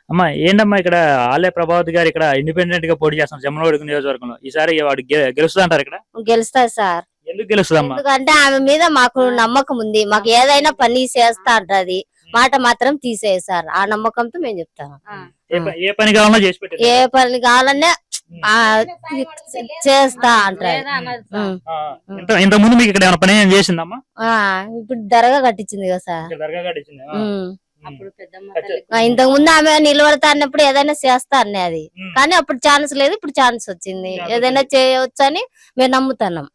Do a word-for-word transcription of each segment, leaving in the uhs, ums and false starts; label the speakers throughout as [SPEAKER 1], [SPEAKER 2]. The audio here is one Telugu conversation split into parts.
[SPEAKER 1] అమ్మా ఏంటమ్మా ఇక్కడ ఆలయ ప్రభావతి గారు ఇక్కడ ఇండిపెండెంట్ గా పోటీ చేస్తున్నారు జమ్మలమడుగు నియోజకవర్గంలో. ఈసారి వాడు గెలుస్తా అంటారు ఇక్కడ?
[SPEAKER 2] గెలుస్తారు సార్.
[SPEAKER 1] ఎందుకు గెలుస్తుందమ్మా?
[SPEAKER 2] ఎందుకంటే ఆమె మీద మాకు నమ్మకం ఉంది. మాకు ఏదైనా పని చేస్తా అంటది, మాట మాత్రం తీసేది సార్. ఆ నమ్మకంతో మేము చెప్తాం.
[SPEAKER 1] ఏ పని కావాలన్నా చేసి పెట్టారు,
[SPEAKER 2] ఏ పని కావాలన్నా చేస్తా అంటారు.
[SPEAKER 1] ఇంత ముందు మీకు ఇక్కడ ఏమైనా పని ఏం చేసిందమ్మా?
[SPEAKER 2] ఇప్పుడు దర్గా కట్టించింది కదా సార్.
[SPEAKER 1] దర్గా కట్టించింది.
[SPEAKER 2] ఇంతకు ముందు ఆమె నిలబడతా అన్నప్పుడు ఏదైనా చేస్తా అన్నది, కానీ అప్పుడు ఛాన్స్ లేదు, ఇప్పుడు ఛాన్స్ వచ్చింది. ఏదైనా చేయవచ్చు అని మేము నమ్ముతున్నాం.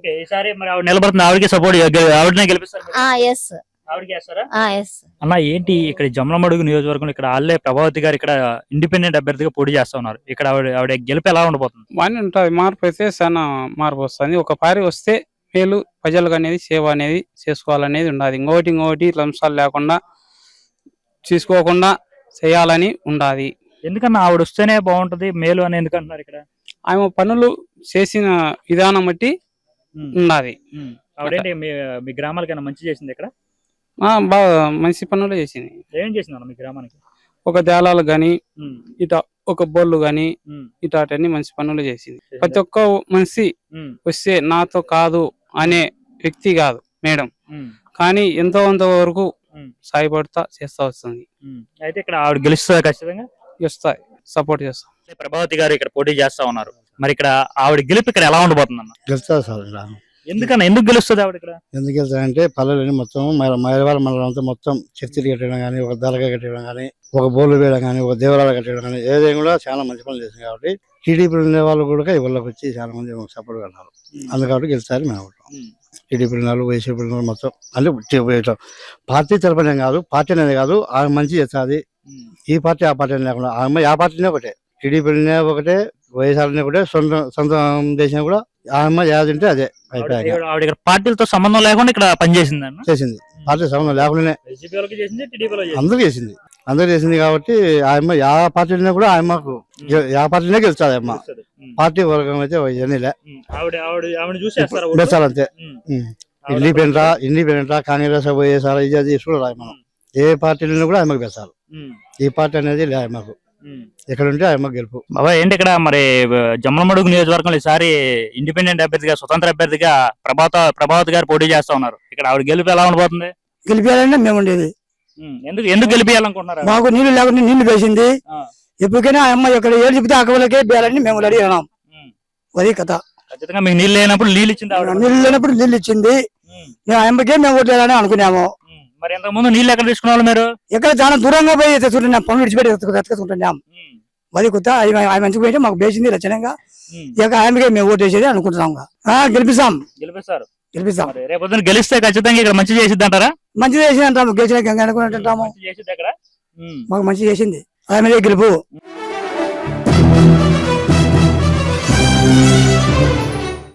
[SPEAKER 1] అన్న ఏంటి ఇక్కడ జమ్మలమడుగు నియోజకవర్గంలో ఇక్కడ ఆలయ ప్రభావతి గారు ఇక్కడ ఇండిపెండెంట్ అభ్యర్థిగా పోటీ చేస్తా ఉన్నారు. ఇక్కడ ఆవిడ ఆవిడ గెలుపు ఎలా ఉండబోతుంది?
[SPEAKER 3] బాగానే ఉంటుంది. మార్పు అయితే చాలా మార్పు వస్తుంది. ఒక పారి వస్తే మేలు ప్రజలకు అనేది సేవ అనేది చేసుకోవాలనేది ఉండాలి. ఇంకోటి ఇంకోటి లంసాలు లేకుండా తీసుకోకుండా చేయాలని ఉండాలి.
[SPEAKER 1] ఎందుకన్నా ఆవిడ వస్తేనే బాగుంటది మేలు అని ఎందుకంటున్నారు? ఇక్కడ
[SPEAKER 3] ఆమె పనులు చేసిన విధానం బట్టి ఉండాలి.
[SPEAKER 1] ఆవిడేంటి మీ గ్రామాలకైనా మంచి చేసింది? ఇక్కడ
[SPEAKER 3] బాగా మంచి పనులు చేసింది.
[SPEAKER 1] ఏం చేసింది మీ గ్రామానికి?
[SPEAKER 3] ఒక దేళాలు గాని ఇట ఒక బోర్లు గాని ఇటాటన్ని మంచి పనులు చేసింది. ప్రతి ఒక్క మనిషి వస్తే నాతో కాదు అనే వ్యక్తి కాదు మేడం, కానీ ఎంతో కొంత వరకు సాయపడతా చేస్తా వస్తుంది.
[SPEAKER 1] అయితే ఇక్కడ ఆవిడ గెలుస్తుంది, ఖచ్చితంగా
[SPEAKER 3] గెలుస్తాయి, సపోర్ట్ చేస్తాం.
[SPEAKER 1] ప్రభావతి గారు ఇక్కడ పోటీ చేస్తా ఉన్నారు. మరి ఇక్కడ ఆవిడ గెలుపు ఇక్కడ ఎలా ఉండబోతుంది అన్న?
[SPEAKER 4] గెలుస్తుంది సార్.
[SPEAKER 1] ఎందుకన్నా ఎందుకు గెలుస్తుంది ఆవిడ ఇక్కడ?
[SPEAKER 4] ఎందుకు గెలుస్తారంటే పల్లెలని మొత్తం మైలవాళ్ళ మండలం అంతా మొత్తం చర్చిలు కట్టడం కానీ, ఒక దళగా కట్టడం కానీ, ఒక బోర్లు వేయడం కానీ, ఒక దేవాలయాలు కట్టడం కానీ, ఏదైనా కూడా చాలా మంచి పనులు చేసింది. కాబట్టి టీడీపీ ఉండే వాళ్ళు కూడా ఇళ్ళకి వచ్చి చాలా మంది సపోర్ట్ కట్టారు. అందుకని గెలుస్తారు మేము. టీడీపీ వాళ్ళు, వైసీపీ మొత్తం అంటే పార్టీ తరపునే కాదు, పార్టీ అనేది కాదు, ఆమె మంచి చేస్తుంది. ఈ పార్టీ ఆ పార్టీ లేకుండా ఆమె ఆ పార్టీనే ఒకటే, టీడీపీనే ఒకటే, వైఎస్ఆర్నే ఒకటే, సొంత సొంత దేశం కూడా ఆమె ఏదంటే అదే
[SPEAKER 1] అయిపోయాయి. పార్టీలతో సంబంధం లేకుండా ఇక్కడ పనిచేసింది
[SPEAKER 4] చేసింది. పార్టీ సంబంధం లేకుండానే అందరూ చేసింది అందరూ చేసింది కాబట్టి ఆమె యా పార్టీనే కూడా ఆమెకు యా పార్టీనే గెలుస్తుంది. అమ్మ పార్టీ వర్గం అయితే ఇవన్నీలే గెలుచాలంతే. ఇండిపెండెంట్ ఇండిపెండెంట్ కాంగ్రెస్ వైఎస్ఆర్ ఇది అది చూడాలి. మనం ఏ పార్టీలో కూడా ఆమెకు గెలుచాలి. ఈ పార్టీ అనేది లే ఆమెకు ఎక్కడ ఉంటే ఆమెకు గెలుపు.
[SPEAKER 1] బాబా ఏంటి ఇక్కడ మరి జమ్మలమడుగు నియోజకవర్గంలో ఈసారి ఇండిపెండెంట్ అభ్యర్థిగా, స్వతంత్ర అభ్యర్థిగా ప్రభాత ప్రభావతి గారు పోటీ చేస్తా ఉన్నారు. ఇక్కడ ఆవిడ గెలుపు ఎలా ఉండబోతుంది?
[SPEAKER 5] గెలిపేయాలంటే మేము ఉండేది.
[SPEAKER 1] ఎందుకు ఎందుకు గెలిపేయాలనుకుంటున్నారు?
[SPEAKER 5] మాకు నీళ్లు లేకుండా నీళ్లు వేసింది. ఎప్పటికైనా అమ్మ ఇక్కడ ఏడు చెప్తే అక్కలకే బేయాలని మేము రెడీ అయినాం. అది కథ.
[SPEAKER 1] ఖచ్చితంగా మీకు నీళ్ళు లేనప్పుడు నీళ్ళు ఇచ్చింది,
[SPEAKER 5] నీళ్ళు లేనప్పుడు నీళ్ళు ఇచ్చింది. మేము అమ్మకే మేము ఓట్లేయాలని అనుకున్నాము.
[SPEAKER 1] మరి ఇంతకు ముందు నీళ్ళు ఎక్కడ తీసుకున్నాము? మీరు
[SPEAKER 5] ఎక్కడ చాలా దూరంగా పోయి తెచ్చుకుంటున్నాం, పనులు విడిచిపెట్టి ఎత్తుకుంటున్నాం. అది కొత్త ఆమె మంచిగా పోయింటే మాకు వేసింది రచనంగా. ఇక ఆమెకే మేము ఓటు వేసేది అనుకుంటున్నాం. గెలిపిస్తాం
[SPEAKER 1] గెలిపిస్తారు
[SPEAKER 5] గెలిపిస్తాం
[SPEAKER 1] రేపు గెలిస్తే ఖచ్చితంగా ఇక్కడ మంచి చేసిద్ది అంటారా?
[SPEAKER 5] మంచి చేసింది అంటాము. గెలిచిన అనుకుంటుంటాము. మాకు మంచి చేసింది ఆమె గెలుపు.